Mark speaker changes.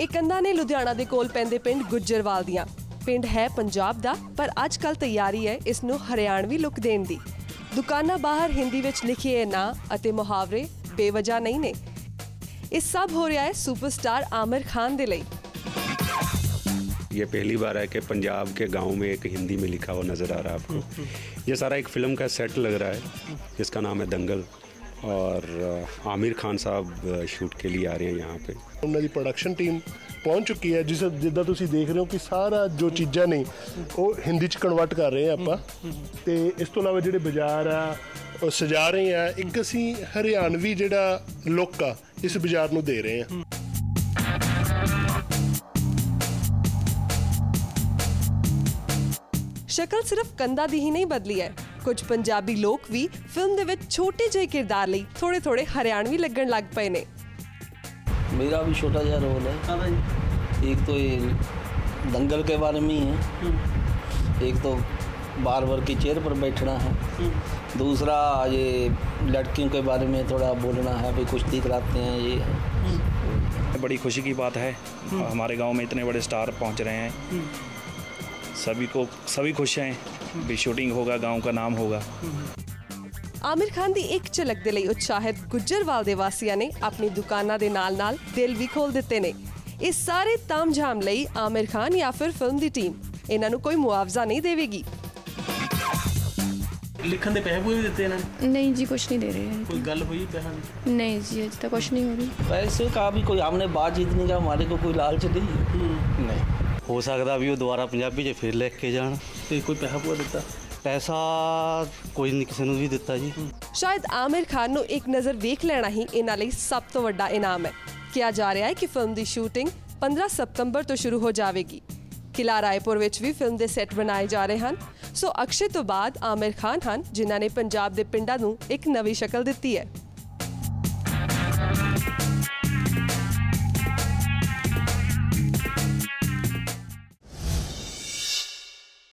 Speaker 1: ਇਹ ਕੰਧਾਂ ਨੇ ਲੁਧਿਆਣਾ ਦੇ ਕੋਲ ਪੈਂਦੇ ਪਿੰਡ ਗੁੱਜਰਵਾਲ ਦੀਆਂ। ਪਿੰਡ ਹੈ ਪੰਜਾਬ ਦਾ, ਪਰ ਅੱਜ ਕੱਲ੍ਹ ਤਿਆਰੀ ਹੈ ਇਸ ਨੂੰ ਹਰਿਆਣਵੀ ਲੁੱਕ ਦੇਣ ਦੀ। ਦੁਕਾਨਾਂ ਬਾਹਰ ਹਿੰਦੀ ਵਿੱਚ ਲਿਖੇ ਇਹ ਨਾਂ ਅਤੇ ਮੁਹਾਵਰੇ ਬੇਵਜ੍ਹਾ ਨਹੀਂ ਨੇ। ਇਹ ਸਭ ਹੋ ਰਿਹਾ है सुपरस्टार आमिर खान दे लई।
Speaker 2: ये पहली बार है कि पंजाब के गांव में एक हिंदी में लिखा हुआ नज़र आ रहा है आपको। ये सारा एक फ़िल्म का सेट लग रहा है जिसका नाम है दंगल, और आमिर खान साहब शूट के लिए आ रहे हैं यहाँ पे।
Speaker 3: उन्होंने प्रोडक्शन टीम पहुँच चुकी है, जिस जिदा तुसी देख रहे हो कि सारा जो चीज़ां ने वो हिंदी च कन्वर्ट कर रहे हैं आपां, ते इस तो इलावा जिहड़े बाजार आ ਉਹ ਸਜਾ ਰਹੇ ਆ। ਇੱਕ ਅਸੀਂ ਹਰਿਆਣਵੀ ਜਿਹੜਾ ਲੁੱਕ ਆ ਇਸ ਬਾਜ਼ਾਰ ਨੂੰ ਦੇ ਰਹੇ ਆ।
Speaker 1: ਸ਼ਕਲ ਸਿਰਫ ਕੰਧਾਂ ਦੀ ਹੀ ਨਹੀਂ ਬਦਲੀ ਹੈ, ਕੁਝ ਪੰਜਾਬੀ ਲੋਕ ਵੀ ਫਿਲਮ ਦੇ ਵਿੱਚ ਛੋਟੇ ਜਿਹੇ ਕਿਰਦਾਰ ਲਈ ਥੋੜੇ ਹਰਿਆਣਵੀ ਲੱਗਣ ਲੱਗ ਪਏ ਨੇ।
Speaker 4: मेरा भी छोटा सा रोल है। एक तो ये दंगल के बारे में ही है, एक तो बार की चेयर पर बैठना है, दूसरा ये लड़कियों के बारे में थोड़ा बोलना है, भाई कुश्ती कराते हैं। ये है
Speaker 5: बड़ी खुशी की बात है, हमारे गांव में इतने बड़े स्टार पहुंच रहे हैं। सभी खुश हैं, भी शूटिंग होगा, गांव का नाम होगा।
Speaker 1: आमिर खान ਦੀ ਇੱਕ ਝਲਕ ਦੇ ਲਈ ਉਤਸ਼ਾਹਿਤ ਗੁੱਜਰਵਾਲ ਦੇ ਵਾਸੀਆਂ ਨੇ ਆਪਣੀ ਦੁਕਾਨਾਂ ਦੇ ਨਾਲ-ਨਾਲ ਦਿਲ ਵੀ ਖੋਲ ਦਿੱਤੇ ਨੇ। ਇਸ ਸਾਰੇ ਤਾਮਝਾਮ ਲਈ ਆमिर खान ਜਾਂ ਫਿਰ ਫਿਲਮ ਦੀ ਟੀਮ ਇਹਨਾਂ ਨੂੰ ਕੋਈ ਮੁਆਵਜ਼ਾ ਨਹੀਂ ਦੇਵੇਗੀ।
Speaker 6: लिखन के पैसे पूरे भी देते हैं?
Speaker 7: नहीं जी, कुछ नहीं दे रहे हैं।
Speaker 6: कोई गल हुई पैसा की?
Speaker 7: नहीं जी, अभी तक कुछ नहीं हो रही।
Speaker 4: पैसे का भी कोई हमने बात जीतने का हमारे को कोई लालच नहीं।
Speaker 8: नहीं हो सकता भी वो दोबारा पंजाबी च फिर लिख के जान।
Speaker 6: तो कोई पैसा पूरा दिता?
Speaker 8: पैसा कोई नहीं किसी ने भी दिता जी।
Speaker 1: शायद आमिर खान ਨੂੰ ਇੱਕ ਨਜ਼ਰ ਵੇਖ ਲੈਣਾ ਹੀ ਇਹਨਾਂ ਲਈ ਸਭ ਤੋਂ ਵੱਡਾ ਇਨਾਮ ਹੈ। ਕਿਹਾ ਜਾ ਰਿਹਾ ਹੈ ਕਿ ਫਿਲਮ ਦੀ ਸ਼ੂਟਿੰਗ 15 ਸਤੰਬਰ ਤੋਂ ਸ਼ੁਰੂ ਹੋ ਜਾਵੇਗੀ। ਕਿਲਾ ਰਾਏਪੁਰ ਵਿੱਚ ਵੀ ਫਿਲਮ ਦੇ ਸੈੱਟ ਬਣਾਏ ਜਾ ਰਹੇ ਹਨ। ਸੋ ਅਕਸ਼ੇ ਤੋਂ ਬਾਅਦ ਆमिर खान ਹਨ ਜਿਨ੍ਹਾਂ ਨੇ ਪੰਜਾਬ ਦੇ ਪਿੰਡਾਂ ਨੂੰ ਇੱਕ ਨਵੀਂ ਸ਼ਕਲ ਦਿੱਤੀ ਹੈ।